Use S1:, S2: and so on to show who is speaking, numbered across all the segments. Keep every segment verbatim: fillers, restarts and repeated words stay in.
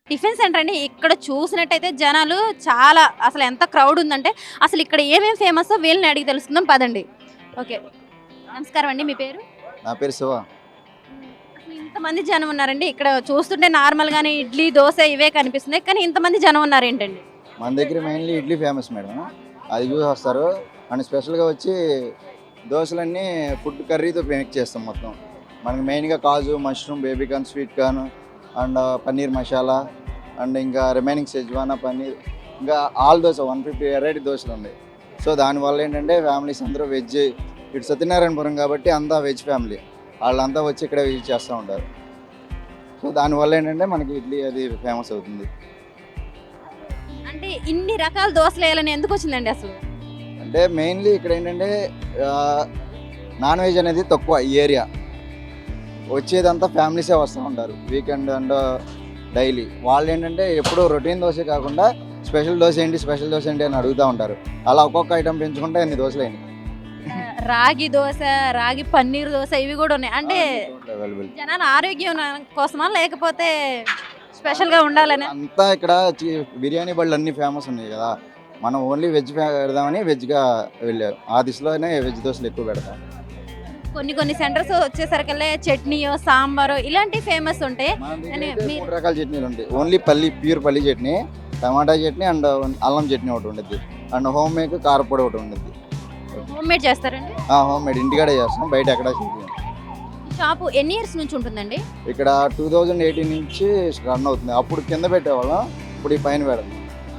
S1: Tiffin centre అండి. ఇక్కడ చూసినట్టయితే జనాలు చాలా అసలు ఎంత క్రౌడ్ ఉందంటే అసలు ఇక్కడ ఏమేమి ఫేమస్ వీళ్ళని అడిగి తెలుసుకుందాం పదండి. ఓకే, నమస్కారం అండి. మీ పేరు?
S2: నా పేరు శివ.
S1: అసలు ఇంతమంది జనం ఉన్నారండి. ఇక్కడ చూస్తుంటే నార్మల్గానే ఇడ్లీ దోశ ఇవే కనిపిస్తున్నాయి, కానీ ఇంతమంది జనం ఉన్నారు ఏంటండి?
S2: మన దగ్గర మెయిన్లీ ఇడ్లీ ఫేమస్ మేడం, అది చూసి వస్తారు. అండ్ స్పెషల్గా వచ్చి దోశలన్నీ ఫుడ్ కర్రీతో మేక్ చేస్తాం మొత్తం. మనకి మెయిన్గా kaju, mushroom, baby corn, sweet corn and paneer masala and ఇంకా రిమైనింగ్ సెజ్వానా పన్నీర్, ఇంకా all dosa one fifty variety దోశలు ఉన్నాయి. సో దానివల్ల ఏంటంటే ఫ్యామిలీస్ అందరూ వెజ్, ఇటు సత్యనారాయణపురం కాబట్టి అంతా వెజ్ ఫ్యామిలీ, వాళ్ళంతా వచ్చి ఇక్కడ విజిట్ చేస్తూ ఉంటారు. సో దానివల్ల ఏంటంటే మనకి ఇడ్లీ అది ఫేమస్ అవుతుంది.
S1: అంటే ఇన్ని రకాల దోశలు వేయాలని ఎందుకు వచ్చిందండి అసలు?
S2: అంటే మెయిన్లీ ఇక్కడ ఏంటంటే నాన్ వెజ్ అనేది తక్కువ ఈ ఏరియా, వచ్చేదంతా ఫ్యామిలీసే వస్తూ ఉంటారు వీకెండ్ అండ్ డైలీ. వాళ్ళు ఏంటంటే ఎప్పుడూ రొటీన్ దోశ కాకుండా స్పెషల్ దోశ ఏంటి స్పెషల్ దోశ ఏంటి అని అడుగుతూ ఉంటారు. అలా ఒక్కొక్క ఐటమ్ పెంచుకుంటే ఎన్ని దోశలు అయినాయి.
S1: రాగి దోశ, రాగి పన్నీర్ దోశ ఇవి కూడా ఉన్నాయి. అంటే
S2: అవైలబుల్
S1: జనాల ఆరోగ్యం కోసమా లేకపోతే స్పెషల్గా ఉండాలని?
S2: అంతా ఇక్కడ చి- బిర్యానీ బళ్ళు అన్ని ఫేమస్ ఉన్నాయి కదా, మనం ఓన్లీ వెజ్ పెడదామని వెజ్గా వెళ్ళారు. ఆ దిశలోనే వెజ్ దోశలు ఎక్కువ పెడతాం.
S1: కొన్ని కొన్ని సెంటర్స్ వచ్చేసరికల్లా చట్నీయో సాంబారో ఇలాంటివి ఫేమస్ ఉంటాయి.
S2: మన దగ్గర
S1: అని
S2: అయితే
S1: మీరు-
S2: మూడు రకాల చట్నీలు ఉంటాయి. ఓన్లీ పల్లి, ప్యూర్ పల్లి చట్నీ, టమాటా చట్నీ అండ్ అల్లం చట్నీ ఒకటి ఉంటుంది, అండ్ హోమ్ మేక్ కారపొడి ఒకటి ఉంటుంది.
S1: హోమ్ మేడ్ చేస్తారండి?
S2: హోమ్ మేడ్ ఇంటికాడే చేస్తాం, బయట ఎక్కడ చేయలేం.
S1: షాపు ఎన్ని ఇయర్స్ నుంచి ఉంటుందండి?
S2: ఇక్కడ టూ థౌజండ్ ఎయిటీన్ నుంచి రన్ అవుతుంది. అప్పుడు కింద పెట్టేవాళ్ళం, ఇప్పుడు ఈ పైన పెడతాం.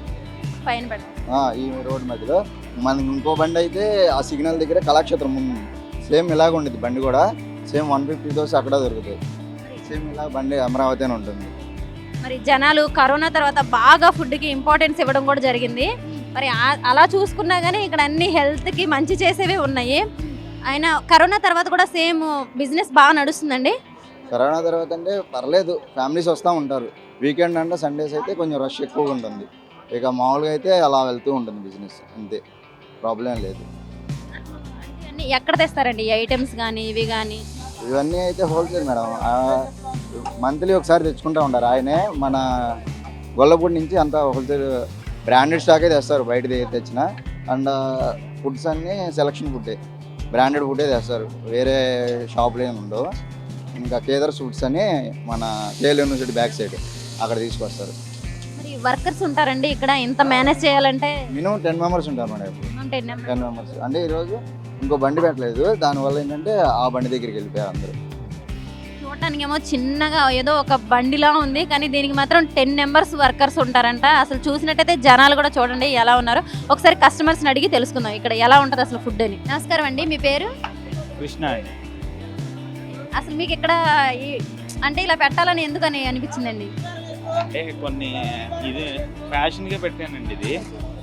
S1: పైన పెడతాం.
S2: ఆ, ఈ రోడ్ మధ్యలో మనకి ఇంకో బండి అయితే ఆ సిగ్నల్ దగ్గర కళాక్షేత్రం ముందు సేమ్ ఇలాగ ఉండేది బండి కూడా, సేమ్ వన్ ఫిఫ్టీ దోశ అక్కడ దొరుకుతాయి. సేమ్ ఇలా బండి అమరావతి అని ఉంటుంది.
S1: మరి జనాలు కరోనా తర్వాత బాగా ఫుడ్కి ఇంపార్టెన్స్ ఇవ్వడం కూడా జరిగింది. మరి ఆ- అలా చూసుకున్నా కానీ ఇక్కడ అన్ని హెల్త్కి మంచి చేసేవి ఉన్నాయి. అయినా కరోనా తర్వాత కూడా సేమ్ బిజినెస్ బాగా నడుస్తుందండి.
S2: కరోనా తర్వాత అంటే పర్లేదు, ఫ్యామిలీస్ వస్తూ ఉంటారు. వీకెండ్ అంటే సండేస్ అయితే కొంచెం రష్ ఎక్కువగా ఉంటుంది. ఇక మామూలుగా అయితే అలా వెళ్తూ ఉంటుంది బిజినెస్, అంతే, ప్రాబ్లం లేదు.
S1: అన్ని ఎక్కడ తెస్తారండి ఈ ఐటమ్స్ కానీ ఇవి కానీ?
S2: ఇవన్నీ అయితే హోల్సేల్ మేడం, మంత్లీ ఒకసారి తెచ్చుకుంటూ ఉంటారు. ఆయనే మన గొల్లపూడి నుంచి అంతా హోల్సేల్ బ్రాండెడ్ స్టాకే తెస్తారు, బయట తెచ్చిన. అండ్ ఫుడ్స్ అన్నీ సెలక్షన్ ఫుడ్డే, బ్రాండెడ్ ఫుడ్డే తెస్తారు, వేరే షాపులు ఏమి ఉండవు. ఇంకా కేదర్ ఫుడ్స్ అని మన కేఎల్ యూనివర్సిటీ బ్యాక్ సైడ్ అక్కడ తీసుకొస్తారు.
S1: మరి వర్కర్స్ ఉంటారండి ఇక్కడ ఇంత మేనేజ్ చేయాలంటే?
S2: మినిమం టెన్ మెంబర్స్ ఉంటారు మేడం ఇప్పుడు.
S1: ఉంటాయి నెంబర్.
S2: టెన్ మెంబర్స్ అంటే ఈరోజు ఇంకో బండి పెట్టలేదు, దానివల్ల ఏంటంటే ఆ బండి దగ్గరికి వెళ్ళిపోయారు అందరూ.
S1: చూడటానికి ఏమో చిన్నగా ఏదో ఒక బండిలా ఉంది, కానీ దీనికి మాత్రం టెన్ మెంబర్స్ వర్కర్స్ ఉంటారంట. అసలు చూసినట్టయితే జనాలు కూడా చూడండి ఎలా ఉన్నారు. ఒకసారి కస్టమర్స్ని అడిగి తెలుసుకుందాం ఇక్కడ ఎలా ఉంటుంది అసలు ఫుడ్ అని. నమస్కారం అండి. మీ పేరు?
S3: కృష్ణ అండి.
S1: అసలు మీకు ఇక్కడ ఈ- అంటే ఇలా పెట్టాలని ఎందుకని అనిపించిందండి?
S3: అంటే కొన్ని ఇది ఫ్యాషన్గా పెట్టానండి ఇది.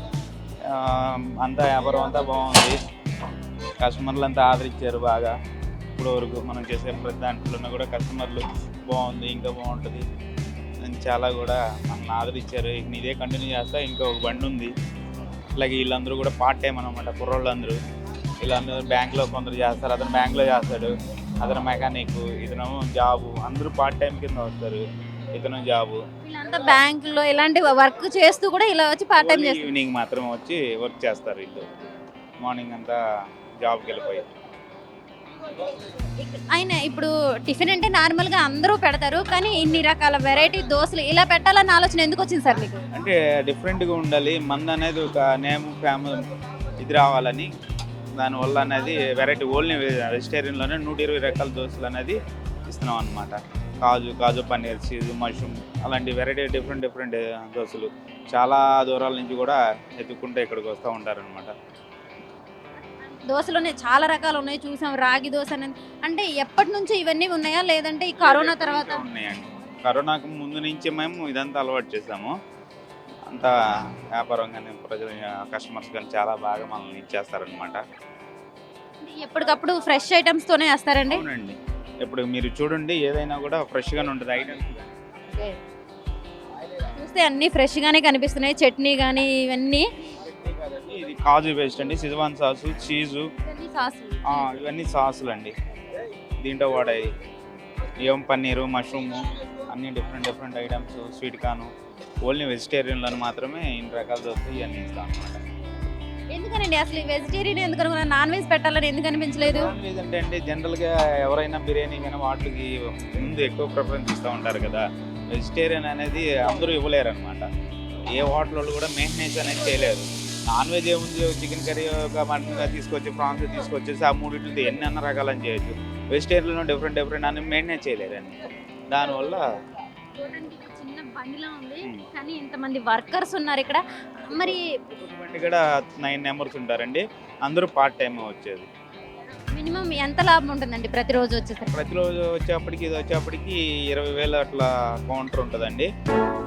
S3: ఆ, అంతా వ్యాపారం అంతా బాగుంది, కస్టమర్లు అంతా ఆదరించారు బాగా. ఇప్పుడు వరకు మనం చేసే ప్రతి దాంట్లోనే కూడా కస్టమర్లు బాగుంది, ఇంకా బాగుంటుంది అని చాలా కూడా మనల్ని ఆదరించారు. ఇక ఇదే కంటిన్యూ చేస్తా. ఇంకా ఒక బండి ఉంది, అలాగే వీళ్ళందరూ కూడా పార్ట్ టైం అనమాట, కుర్రోళ్ళందరూ. వీళ్ళందరూ బ్యాంక్లో కొందరు చేస్తారు, అతను బ్యాంక్లో చేస్తాడు, అతను మెకానిక్, ఇతను జాబు, అందరూ పార్ట్ టైం కింద వస్తారు, ఇతను జాబు.
S1: వీళ్ళంతా బ్యాంకులో ఇలాంటి వర్క్ చేస్తూ కూడా ఇలా వచ్చి పార్ట్ టైం చేస్తారు.
S3: ఈవినింగ్ మాత్రం వచ్చి వర్క్ చేస్తారు వీళ్ళు, మార్నింగ్ అంతా జాబ్కి వెళ్ళిపోయి.
S1: ఆయన ఇప్పుడు టిఫిన్ అంటే నార్మల్గా అందరూ పెడతారు, కానీ ఇన్ని రకాల వెరైటీ దోశలు ఇలా పెట్టాలన్న ఆలోచన ఎందుకు వచ్చింది సార్ మీకు?
S3: అంటే డిఫరెంట్గా ఉండాలి, మంది అనేది ఒక నేమ్ ఫేమస్ ఇది రావాలని, దానివల్ల అనేది వెరైటీ ఓన్లీ వెజిటేరియన్లోనే నూట ఇరవై రకాల దోశలు అనేది ఇస్తున్నాం అనమాట. కాజు కాజు పన్నీర్, చీజ్, మష్రూమ్ అలాంటి వెరైటీ డిఫరెంట్ డిఫరెంట్ దోశలు చాలా దూరాల నుంచి కూడా ఎత్తుక్కుంటే ఇక్కడికి వస్తూ ఉంటారనమాట.
S1: దోశలోనే చాలా రకాలు ఉన్నాయి, చూసాం. రాగి దోశ అనేది అంటే ఎప్పటి నుంచి ఇవన్నీ ఉన్నాయా, లేదంటే ఈ కరోనా తర్వాత?
S3: ఉన్నాయండి, కరోనాకు ముందు నుంచి మేము ఇదంతా అలవాటు చేసాము. అంతా వ్యాపారం కానీ ప్రజలు కస్టమర్స్ కానీ చాలా బాగా మనల్ని ఇచ్చేస్తారనమాట.
S1: ఎప్పటికప్పుడు ఫ్రెష్ ఐటమ్స్ తోనే వేస్తారండి?
S3: అవునండి, ఇప్పుడు మీరు చూడండి ఏదైనా కూడా ఫ్రెష్గానే ఉంటుంది ఐటమ్స్.
S1: చూస్తే అన్ని ఫ్రెష్ గానే కనిపిస్తున్నాయి, చట్నీ కానీ ఇవన్నీ.
S3: ఇది కాజు పేస్ట్ అండి, సిజవాన్ సాసు, చీజు,
S1: ఇవన్నీ సాసులు.
S3: ఇవన్నీ సాసులు అండి. దీంట్లో వాడాయి ఏం పన్నీరు, మష్రూము అన్ని different different items, sweet corn, only వెజిటేరియన్లను మాత్రమే ఇన్ని రకాలు దొరుకుతాయి. ఇవన్నీ ఇస్తాం అనమాట.
S1: ఎందుకనండి అసలు వెజిటేరియన్ ఎందుకు అనుకున్నారు? నాన్ వెజ్ పెట్టాలని ఎందుకు అనిపించలేదు?
S3: నాన్ వెజ్ అంటే అండి జనరల్గా ఎవరైనా బిర్యానీ కానీ వాటికి ముందు ఎక్కువ ప్రిఫరెన్స్ ఇస్తూ ఉంటారు కదా. వెజిటేరియన్ అనేది అందరూ ఇవ్వలేరు అనమాట. ఏ హోటల్ వాళ్ళు కూడా మెయింటెనెన్స్ అనేది చేయలేరు. నాన్ వెజ్ ఏముంది, చికెన్ కర్రీ ఒక మటన్ తీసుకొచ్చి ప్రాన్స్ తీసుకొచ్చేసి ఆ మూడింటితో ఎన్ని అన్న రకాలని చేయొచ్చు. వెజిటేరియన్లో డిఫరెంట్ డిఫరెంట్ అని మెయింటెనెన్స్ చేయలేరండి. దానివల్ల
S1: చూడడానికి ఇది చిన్న బండిలా ఉంది, కానీ ఇంతమంది వర్కర్స్ ఉన్నారు ఇక్కడ. మరి
S3: ఇక్కడ నైన్ మెంబర్స్ ఉంటారండి, అందరూ పార్ట్ టైం వచ్చేది.
S1: మినిమం ఎంత లాభం ఉంటుందండి ప్రతిరోజు వచ్చేసరికి?
S3: ప్రతిరోజు వచ్చేప్పటికి ఇది వచ్చేప్పటికి ఇరవై వేలు అట్లా కౌంటర్ ఉంటుందండి.